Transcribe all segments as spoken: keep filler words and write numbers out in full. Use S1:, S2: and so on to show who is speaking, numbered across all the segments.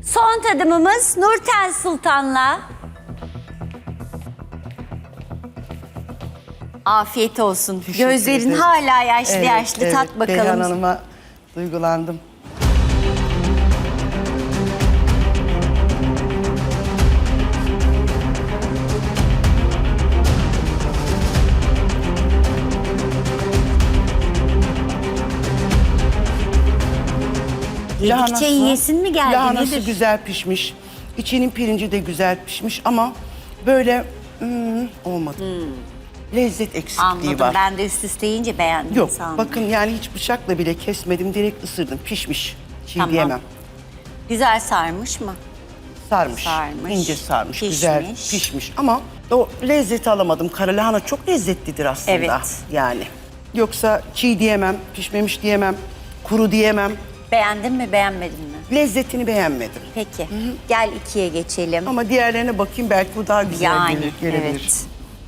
S1: Son tadımımız Nurten Sultan'la. Afiyet olsun.
S2: Teşekkür
S1: Gözlerin
S2: ederim.
S1: hala yaşlı
S2: Evet,
S1: yaşlı.
S2: evet.
S1: Tat bakalım.
S2: Beyhan Hanım'a duygulandım.
S1: Yedikçe yiyesin mi geldi?
S2: Lahanası
S1: Nedir?
S2: güzel pişmiş. İçinin pirinci de güzel pişmiş ama böyle hmm, olmadı. Lezzet eksikliği
S1: Anladım.
S2: var.
S1: Ben de üst üste yiyince beğendim.
S2: Yok
S1: sandım.
S2: bakın yani hiç bıçakla bile kesmedim. Direkt ısırdım. Pişmiş. Çiğ
S1: Tamam.
S2: diyemem.
S1: Güzel sarmış mı?
S2: Sarmış.
S1: Sarmış,
S2: ince sarmış.
S1: pişmiş.
S2: Güzel pişmiş. Ama o lezzeti alamadım. Kara lahana çok lezzetlidir aslında.
S1: Evet.
S2: Yani. Yoksa çiğ diyemem, pişmemiş diyemem, kuru diyemem.
S1: Beğendin mi, beğenmedin mi?
S2: Lezzetini beğenmedim.
S1: Peki. Gel ikiye geçelim.
S2: Ama diğerlerine bakayım belki bu daha güzel
S1: yani,
S2: gelir, gelebilir.
S1: evet.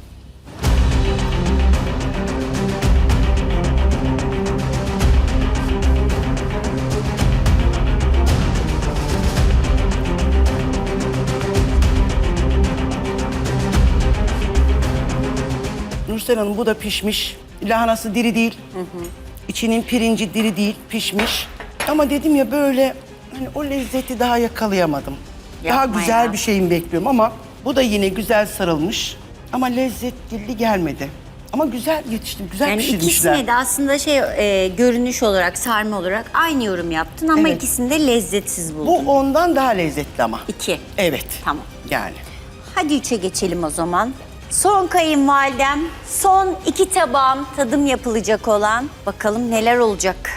S2: Nursel Hanım bu da pişmiş. Lahanası diri değil. İçinin pirinci diri değil, pişmiş. Ama dedim ya böyle hani o lezzeti daha yakalayamadım. daha
S1: Yapma
S2: güzel
S1: ya.
S2: bir şeyin bekliyorum ama bu da yine güzel sarılmış. Ama lezzetli gelmedi. Ama güzel yetiştim, güzel
S1: Yani
S2: pişirmişler.
S1: ikisine de aslında şey e, görünüş olarak, sarma olarak aynı yorum yaptın ama
S2: Evet.
S1: ikisini de lezzetsiz
S2: Bu
S1: buldun.
S2: ondan daha lezzetli ama.
S1: İki.
S2: Evet.
S1: Tamam.
S2: Yani.
S1: Hadi üçe geçelim o zaman. Son kayınvalidem, son iki tabağım tadım yapılacak olan. Bakalım neler olacak.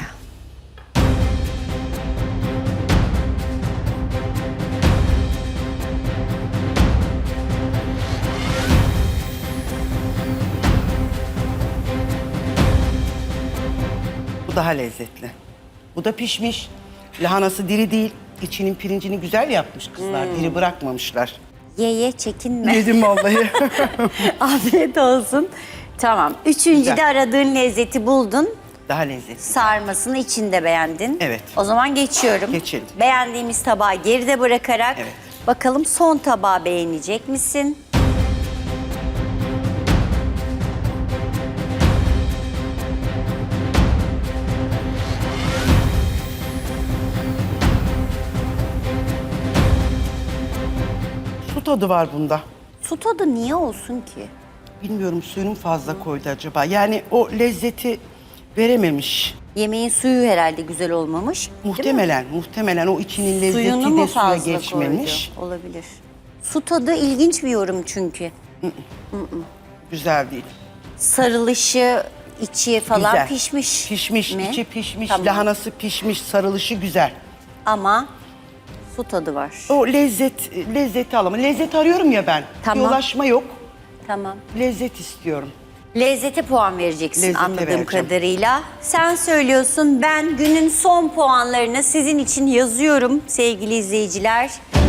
S2: Bu daha lezzetli. Bu da pişmiş. Lahanası diri değil. İçinin pirincini güzel yapmış kızlar.
S1: Hmm.
S2: Diri bırakmamışlar.
S1: Ye ye çekinme.
S2: Yedim vallahi.
S1: Afiyet olsun. Tamam. Üçüncü
S2: Güzel.
S1: de aradığın lezzeti buldun.
S2: Daha lezzetli.
S1: Sarmasını içinde beğendin.
S2: Evet.
S1: O zaman geçiyorum.
S2: Geçelim.
S1: Beğendiğimiz tabağı geride bırakarak
S2: Evet.
S1: bakalım son tabağı beğenecek misin?
S2: Su tadı var bunda.
S1: Su tadı niye olsun ki?
S2: Bilmiyorum suyunu fazla koydu acaba. Yani o lezzeti verememiş.
S1: Yemeğin suyu herhalde güzel olmamış. değil mi?
S2: Muhtemelen, muhtemelen o içinin lezzeti
S1: Suyunu mu
S2: de suya
S1: fazla
S2: geçmemiş.
S1: koydu? Olabilir. Su tadı ilginç bir yorum çünkü.
S2: Güzel değil.
S1: Sarılışı, içi falan
S2: Güzel.
S1: pişmiş.
S2: Pişmiş,
S1: mi?
S2: içi pişmiş,
S1: Tamam.
S2: lahanası pişmiş, sarılışı güzel.
S1: Ama su tadı var.
S2: O lezzet, lezzeti alamam. Lezzet arıyorum ya ben.
S1: Tamam.
S2: Bir ulaşma yok.
S1: Tamam.
S2: Lezzet istiyorum.
S1: Lezzete puan vereceksin
S2: Lezzete
S1: anladığım
S2: vereceğim.
S1: kadarıyla. Sen söylüyorsun, ben günün son puanlarını sizin için yazıyorum sevgili izleyiciler.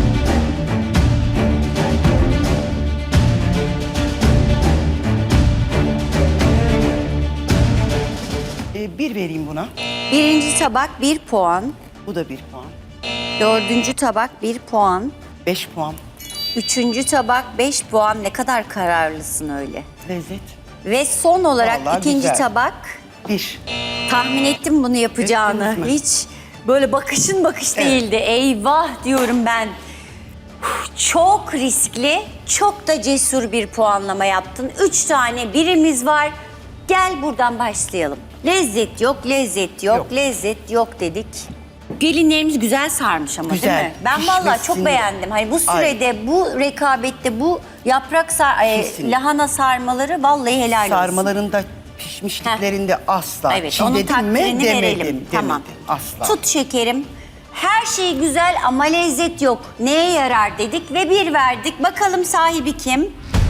S2: Ee, bir vereyim buna.
S1: Birinci tabak bir puan.
S2: Bu da bir puan.
S1: Dördüncü tabak bir puan.
S2: Beş puan.
S1: Üçüncü tabak beş puan. Ne kadar kararlısın öyle.
S2: Lezzet.
S1: Ve son olarak
S2: Vallahi
S1: ikinci
S2: güzel.
S1: tabak.
S2: Bir.
S1: Tahmin ettim bunu yapacağını.
S2: Ettiniz mi?
S1: Hiç böyle bakışın bakış değildi. Eyvah diyorum ben. Uf, çok riskli, çok da cesur bir puanlama yaptın. Üç tane birimiz var. Gel buradan başlayalım. Lezzet yok, lezzet yok,
S2: Yok.
S1: lezzet yok dedik. Gelinlerimiz güzel sarmış ama
S2: Güzel,
S1: değil mi? Ben vallahi çok
S2: pişmesini-
S1: beğendim. Hani bu sürede, bu rekabette, bu yaprak sar e,
S2: Kesinlikle.
S1: lahana sarmaları vallahi helal olsun.
S2: Sarmalarında, pişmişliklerinde asla.
S1: Evet, onun
S2: Çiğnedim mi
S1: takdirini
S2: demedim,
S1: verelim.
S2: demedim.
S1: Tamam.
S2: Asla.
S1: Tut şekerim. Her şey güzel ama lezzet yok. Neye yarar dedik ve bir verdik. Bakalım sahibi kim?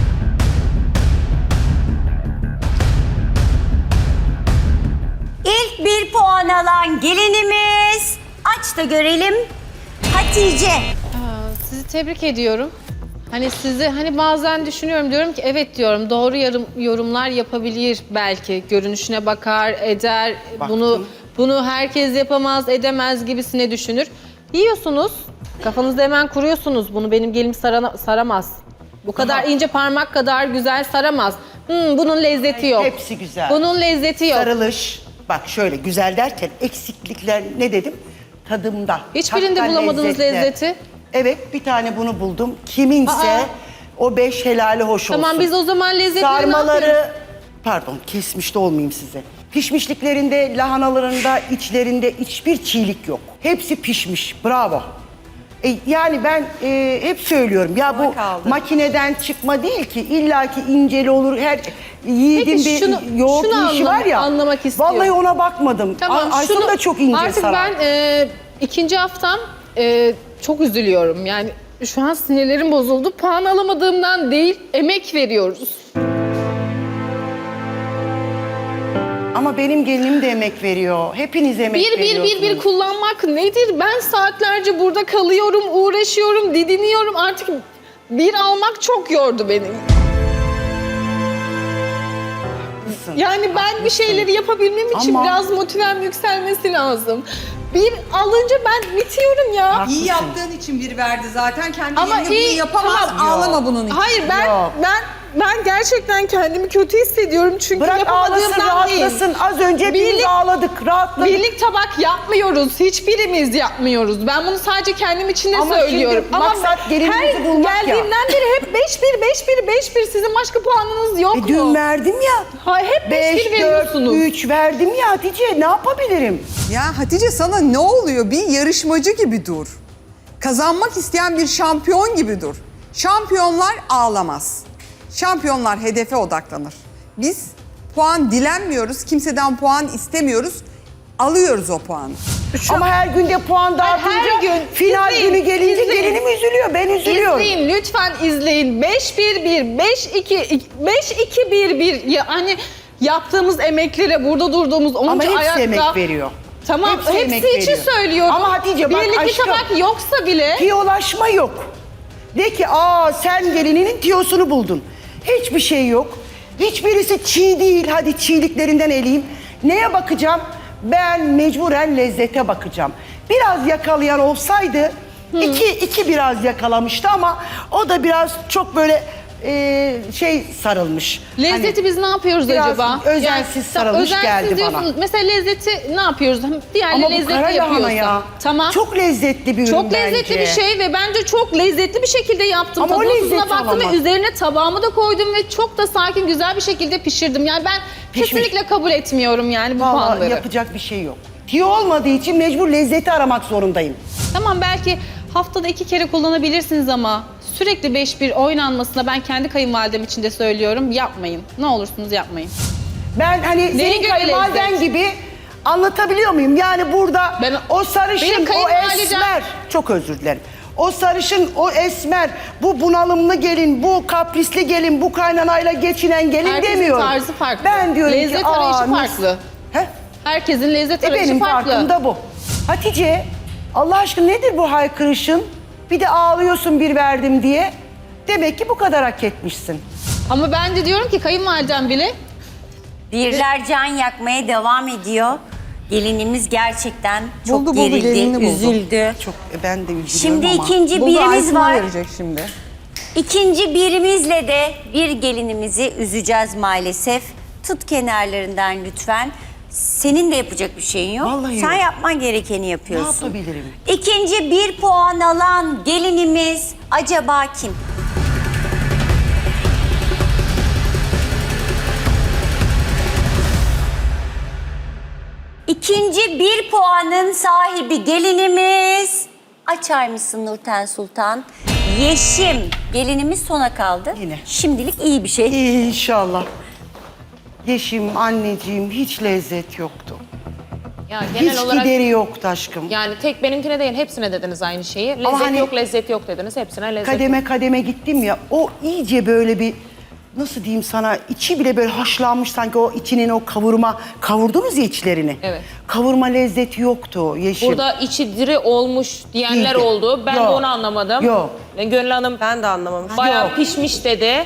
S1: İlk bir puan alan gelinimiz. Aç da görelim. Hatice.
S3: Aa, sizi tebrik ediyorum. Hani sizi hani bazen düşünüyorum diyorum ki evet diyorum doğru yarım, yorumlar yapabilir belki. Görünüşüne bakar, eder.
S2: Baktım.
S3: Bunu bunu herkes yapamaz, edemez gibisine düşünür. Yiyorsunuz. Kafanızda hemen kuruyorsunuz. Bunu benim gelim sarana- saramaz. Bu kadar
S2: Aha.
S3: ince parmak kadar güzel saramaz. Hmm, bunun lezzeti yok.
S2: Hepsi güzel.
S3: Bunun lezzeti yok.
S2: Sarılış. Bak şöyle güzel derken eksiklikler ne dedim? Tadımda.
S3: Hiçbirinde
S2: Hatta
S3: bulamadınız
S2: lezzette.
S3: lezzeti.
S2: Evet bir tane bunu buldum. Kiminse
S3: Aa.
S2: o beş helali hoş olsun.
S3: Tamam biz o zaman lezzetleri ne yapıyoruz?
S2: Sarmaları, pardon kesmiş de olmayayım size. Pişmişliklerinde, lahanalarında, içlerinde hiçbir çiğlik yok. Hepsi pişmiş. Bravo. E, yani ben e, hep söylüyorum ya bu
S4: kaldı.
S2: makineden çıkma değil ki illaki inceli olur her yiğidin
S3: Peki
S2: bir
S3: şunu-
S2: yoğurt
S3: şunu
S2: işi
S3: anlam-
S2: var ya.
S3: anlamak istiyorum.
S2: Vallahi ona bakmadım.
S3: Tamam,
S2: Ay- Aysun
S3: şunu-
S2: da çok ince
S3: Artık
S2: sarar.
S3: ben e, ikinci haftam e, çok üzülüyorum. Yani şu an sinirlerim bozuldu. Puan alamadığımdan değil, emek veriyoruz.
S2: Ama benim gelinim de emek veriyor. Hepiniz emek
S3: Bir bir bir bir
S2: veriyorsunuz.
S3: kullanmak nedir? Ben saatlerce burada kalıyorum, uğraşıyorum, didiniyorum. Artık bir almak çok yordu beni. Yani ben bir şeyleri yapabilmem için
S2: Ama-
S3: biraz motivem yükselmesi lazım. Bir alınca ben bitiyorum ya.
S2: Haklısın.
S4: İyi yaptığın için bir verdi zaten. Kendi
S3: Ama
S4: yerine
S3: iyi,
S4: bunu yapamaz.
S3: tamam.
S4: Ağlama bunun için.
S3: Hayır ben
S2: Yok.
S3: ben ben gerçekten kendimi kötü hissediyorum çünkü
S2: Bırak ağlasın,
S3: yapamadığımdan değil.
S2: rahatlasın. Az önce hepimiz
S3: Birlik-
S2: ağladık, rahatladık.
S3: Birlik tabak yapmıyoruz. Hiçbirimiz yapmıyoruz. Ben bunu sadece kendim için de
S2: Ama
S3: söylüyorum.
S2: şimdi maksat gelinimizi
S3: her
S2: bulmak ya.
S3: geldiğimden beri hep beş bir, beş bir, beş bir. Sizin başka puanınız yok
S2: E, dün
S3: mu?
S2: verdim ya.
S3: Ha, hep beş bir
S2: beş, dört,
S3: veriyorsunuz.
S2: üç verdim ya Hatice. Ne yapabilirim?
S4: Ya Hatice sana ne oluyor? Bir yarışmacı gibi dur. Kazanmak isteyen bir şampiyon gibi dur. Şampiyonlar ağlamaz. Şampiyonlar hedefe odaklanır. Biz puan dilenmiyoruz, kimseden puan istemiyoruz. Alıyoruz o puanı.
S2: Ama her günde puan dağıtınca
S3: her gün
S2: final
S3: izleyin,
S2: günü gelince
S3: izleyin.
S2: gelinim üzülüyor. Ben üzülüyorum.
S3: İzleyin lütfen izleyin. beş bir bir, beş iki, beş iki bir bir. Ya hani yaptığımız emeklere burada durduğumuz onca
S2: Ama hepsi
S3: ayakta.
S2: emek veriyor.
S3: Tamam
S2: Hepsi
S3: hepsi,
S2: emek
S3: için
S2: veriyor.
S3: söylüyorum.
S2: Ama Hatice bak
S3: Birlikte
S2: aşkım.
S3: tabak yoksa bile
S2: Tiyolaşma yok. De ki aa sen gelininin tiyosunu buldun. Hiçbir şey yok. Hiçbirisi çiğ değil. Hadi çiğliklerinden eleyeyim. Neye bakacağım? Ben mecburen lezzete bakacağım. Biraz yakalayan olsaydı iki, iki biraz yakalamıştı ama o da biraz çok böyle e, şey sarılmış.
S3: lezzeti
S2: Hani
S3: biz ne yapıyoruz
S2: biraz
S3: acaba?
S2: özensiz
S3: tam
S2: sarılmış
S3: özensiz
S2: geldi bana.
S3: diyorsunuz. Mesela lezzeti ne yapıyoruz? Diğerleri
S2: ama bu
S3: lezzetli
S2: kara lahana
S3: yapıyorsa.
S2: ya.
S3: Tamam.
S2: Çok lezzetli bir ürün
S3: Çok lezzetli
S2: bence.
S3: bir şey ve bence çok lezzetli bir şekilde yaptım.
S2: Ama o
S3: Tadına
S2: lezzeti
S3: tuzuna baktım
S2: alamaz.
S3: ve üzerine tabağımı da koydum ve çok da sakin güzel bir şekilde pişirdim. Yani ben
S2: Pişmiş.
S3: kesinlikle kabul etmiyorum yani bu
S2: Vallahi
S3: puanları.
S2: yapacak bir şey yok. Tiyo olmadığı için mecbur lezzeti aramak zorundayım.
S3: Tamam belki haftada iki kere kullanabilirsiniz ama sürekli beş bir oynanmasına ben kendi kayınvalidem için de söylüyorum yapmayın. Ne olursunuz yapmayın.
S2: Ben hani
S3: Neye
S2: senin
S3: göre
S2: kayınvaliden
S3: lezzet?
S2: gibi anlatabiliyor muyum? Yani burada
S3: Ben-
S2: o sarışın,
S3: Benim
S2: o
S3: kayınvalidem-
S2: esmer, çok özür dilerim. O sarışın, o esmer, bu bunalımlı gelin, bu kaprisli gelin, bu kaynanayla geçinen gelin
S3: Herkesin
S2: demiyorum.
S3: tarzı farklı.
S2: Ben diyorum
S3: Lezzet
S2: ki,
S3: arayışı
S2: aa, mis-
S3: farklı.
S2: He?
S3: Herkesin lezzet
S2: E
S3: arayışı
S2: benim
S3: farklı.
S2: farkım da bu. Hatice, Allah aşkına nedir bu haykırışın? Bir de ağlıyorsun bir verdim diye. Demek ki bu kadar hak etmişsin.
S3: Ama ben de diyorum ki kayınvalidem bile
S1: Birler can yakmaya devam ediyor. Gelinimiz gerçekten çok
S4: Buldu, buldu, gelinini
S1: gerildi,
S4: buldu.
S1: üzüldü.
S2: Çok e, ben de üzülüyorum
S1: Şimdi
S2: ama.
S1: ikinci
S4: Buldu,
S1: birimiz
S4: Aysun'a
S1: var.
S4: verecek şimdi.
S1: İkinci birimizle de bir gelinimizi üzeceğiz maalesef. Tut kenarlarından lütfen. Senin de yapacak bir şeyin yok.
S2: Vallahi
S1: Sen
S2: yok.
S1: yapman gerekeni yapıyorsun.
S2: Ne yapabilirim?
S1: İkinci bir puan alan gelinimiz acaba kim? İkinci bir puanın sahibi gelinimiz. Açar mısın Nurten Sultan? Yeşim. Gelinimiz sona kaldı.
S2: Yine.
S1: Şimdilik iyi bir şey.
S2: İnşallah. Yeşim, anneciğim hiç lezzet yoktu.
S5: Ya genel
S2: Hiç
S5: olarak
S2: gideri yoktu aşkım.
S5: yani tek benimkine değil hepsine dediniz aynı şeyi. Lezzet
S2: hani-
S5: yok, lezzet yok dediniz. Hepsine lezzet
S2: Kademe
S5: yok.
S2: kademe gittim ya, o iyice böyle bir, nasıl diyeyim sana, içi bile böyle haşlanmış sanki o içinin o kavurma, kavurdunuz ya içlerini.
S5: Evet.
S2: Kavurma lezzeti yoktu Yeşim.
S5: Burada içi diri olmuş diyenler
S2: Değildi.
S5: oldu. Ben
S2: Yok.
S5: de onu anlamadım.
S2: Yok.
S5: Gönül Hanım
S6: Ben de anlamamıştım.
S5: bayağı
S2: Yok.
S5: pişmiş dedi.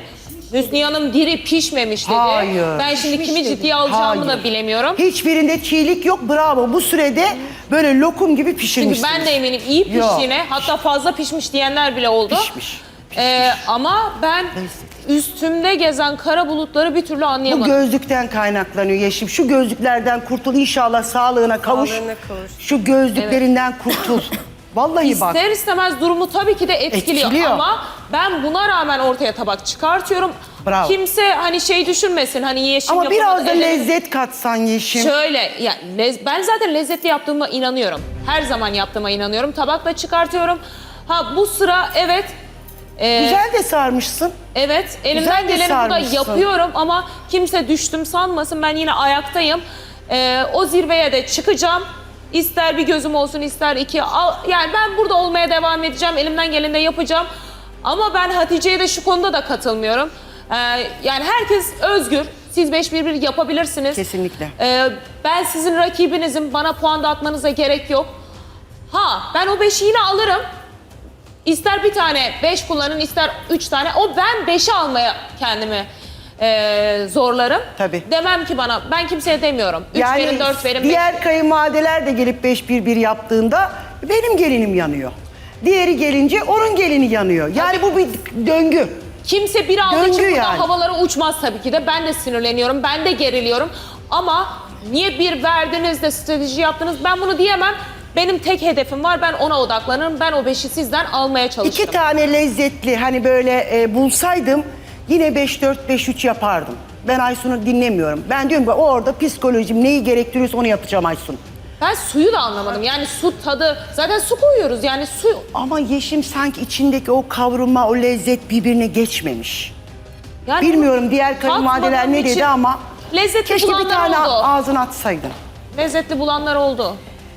S5: Hüsniye Hanım diri pişmemiş dedi.
S2: Hayır.
S5: Ben şimdi
S2: Pişmiş
S5: kimi
S2: dedi.
S5: ciddiye alacağımı
S2: Hayır.
S5: da bilemiyorum.
S2: Hiçbirinde çiğlik yok, bravo. Bu sürede böyle lokum gibi
S5: Çünkü
S2: pişirmişsiniz.
S5: ben de eminim iyi
S2: Yok.
S5: piştiğine, hatta fazla pişmiş diyenler bile oldu.
S2: Pişmiş.
S5: Ee, ama ben üstümde gezen kara bulutları bir türlü
S2: Bu
S5: anlayamadım.
S2: gözlükten kaynaklanıyor Yeşim. Şu gözlüklerden kurtul, inşallah sağlığına kavuş. Şu gözlüklerinden kurtul. Vallahi bak.
S5: İster istemez durumu tabii ki de etkiliyor,
S2: Etkiliyor.
S5: ama ben buna rağmen ortaya tabak çıkartıyorum.
S2: Bravo.
S5: Kimse hani şey düşünmesin, hani Yeşim
S2: Ama
S5: yapamadı,
S2: biraz da
S5: elleri-
S2: lezzet katsan Yeşim.
S5: Şöyle, ya lez- ben zaten lezzetli yaptığıma inanıyorum. Her zaman yaptığıma inanıyorum. Tabakla çıkartıyorum. Ha bu sıra evet, e,
S2: Güzel de sarmışsın.
S5: evet elimden
S2: Güzel de
S5: geleni burada
S2: sarmışsın.
S5: yapıyorum ama kimse düştüm sanmasın. Ben yine ayaktayım. E, o zirveye de çıkacağım. İster bir gözüm olsun, ister iki. Al, yani ben burada olmaya devam edeceğim. Elimden geleni de yapacağım. Ama ben Hatice'ye de şu konuda da katılmıyorum. E, yani herkes özgür. Siz beş bir bir yapabilirsiniz.
S2: Kesinlikle.
S5: Ee, ben sizin rakibinizim. Bana puan dağıtmanıza gerek yok. Ha ben o beşi yine alırım. İster bir tane beş kullanın, ister üç tane. O ben beşi almaya kendimi e, zorlarım.
S2: Tabii.
S5: Demem ki bana, ben kimseye demiyorum. Üç verin, dört verin, beş
S2: diğer
S5: verin.
S2: kayınvalideler de gelip beş bir bir yaptığında benim gelinim yanıyor. Diğeri gelince onun gelini yanıyor. Yani bu bir döngü.
S5: Kimse bir aldığı
S2: Döngü
S5: için buradan
S2: yani.
S5: havalara uçmaz tabii ki de. Ben de sinirleniyorum, ben de geriliyorum. Ama niye bir verdiniz de strateji yaptınız, ben bunu diyemem. Benim tek hedefim var, ben ona odaklanırım. Ben o beşi sizden almaya çalıştım.
S2: İki tane lezzetli hani böyle e, bulsaydım yine beş dört beş üç yapardım. Ben Aysun'u dinlemiyorum. Ben diyorum ki orada psikolojim neyi gerektiriyorsa onu yapacağım Aysun.
S5: Ben suyu da anlamadım. Yani su tadı, zaten su koyuyoruz yani su.
S2: Ama Yeşim sanki içindeki o kavrulma, o lezzet birbirine geçmemiş.
S5: Yani
S2: Bilmiyorum diğer kayınvalideler
S5: tatmadığım
S2: ne dedi
S5: için
S2: ama
S5: lezzetli
S2: keşke bir
S5: bulanlar
S2: tane
S5: oldu.
S2: ağzına atsaydın.
S5: Lezzetli bulanlar oldu.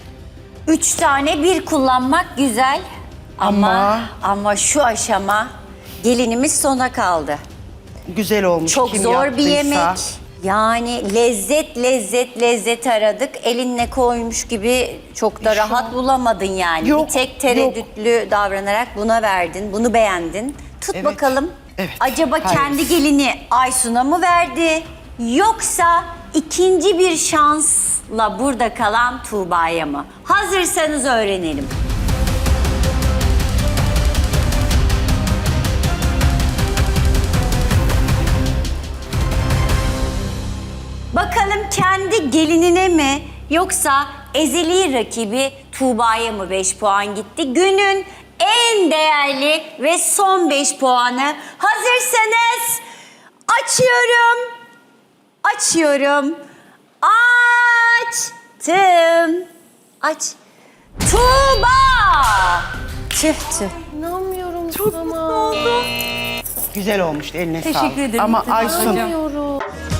S1: Üç tane bir kullanmak güzel. Ama
S2: Ama-
S1: ama şu aşama gelinimiz sona kaldı.
S2: Güzel olmuş.
S1: Çok
S2: kim
S1: zor bir
S2: yaptıysa.
S1: yemek. Yani lezzet lezzet lezzet aradık. Elinle koymuş gibi çok da rahat bulamadın yani.
S2: Yok,
S1: bir tek tereddütlü davranarak buna verdin. Bunu beğendin. Tut
S2: Evet,
S1: bakalım.
S2: evet.
S1: Acaba
S2: Hayır.
S1: kendi gelini Aysun'a mı verdi? Yoksa ikinci bir şansla burada kalan Tuğba'ya mı? Hazırsanız öğrenelim. Bakalım kendi gelinine mi yoksa ezeli rakibi Tuğba'ya mı beş puan gitti? Günün en değerli ve son beş puanı. Hazırsanız açıyorum. Açıyorum. Açtım. Aç. Tuğba! Tüh tüh.
S2: Güzel olmuş eline sağlık.
S1: Teşekkür ederim.
S2: Ama
S1: Teşekkür
S2: Aysun
S1: ederim.